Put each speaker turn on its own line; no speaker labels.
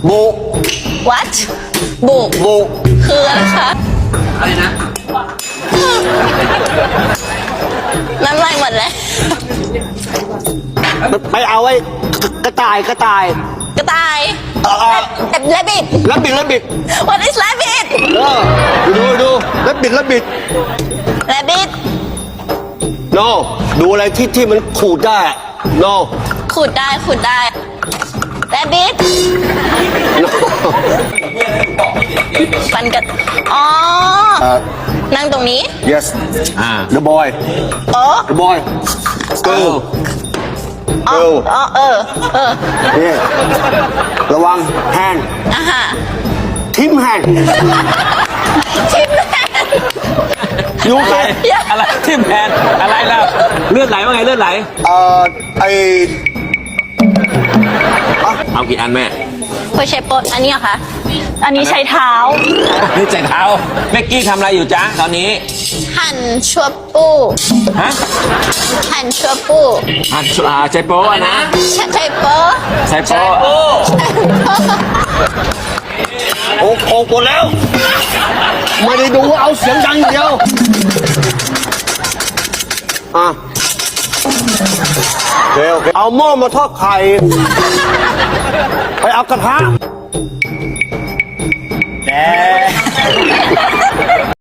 บุ
what บุ
บุ
คืออะไรคะ
อะไรนะ
น้ำลายหมดเลย
ไปเอาไว้กระต่าย
กระต่าย rabbit
แล้วบิด
what is rabbit
ดูแล้วบิด
rabbit
no ดูอะไรที่มันขูดได้ no
ขูดได้rabbit ฟันกันอ๋อ นั่งตรงนี้
yes the boy
โอ้
the boy girl
อ๋อ
นี่ระวังแฮนด์
อ่ะฮะ
ทิมแฮนด์
ทิมแมน
ยู
อะไร
เก
อะไรทิมแพนอะไรล่ะเลือดไหลว่าไงเลือดไหล
ไอ
เอากี่อันแม่
โคเชโปอันนี้เหรอคะ อันนี้ใช้เท้า
นี่ใจเท้าแม็กกี้ทำอะไรอยู่จ๊ะตอนนี้
หั่นชัวปู
ฮะ
หั่นชัวปู
ใจโป้อะนะ
ใช่โป
ใจโป้
โอ้โหหมดแล้ว ไม่ได้ดูเอาเสียงดังอย่างเดียวโอเคเอาหม้อมาทอดไข่ ไปเอากระทะแก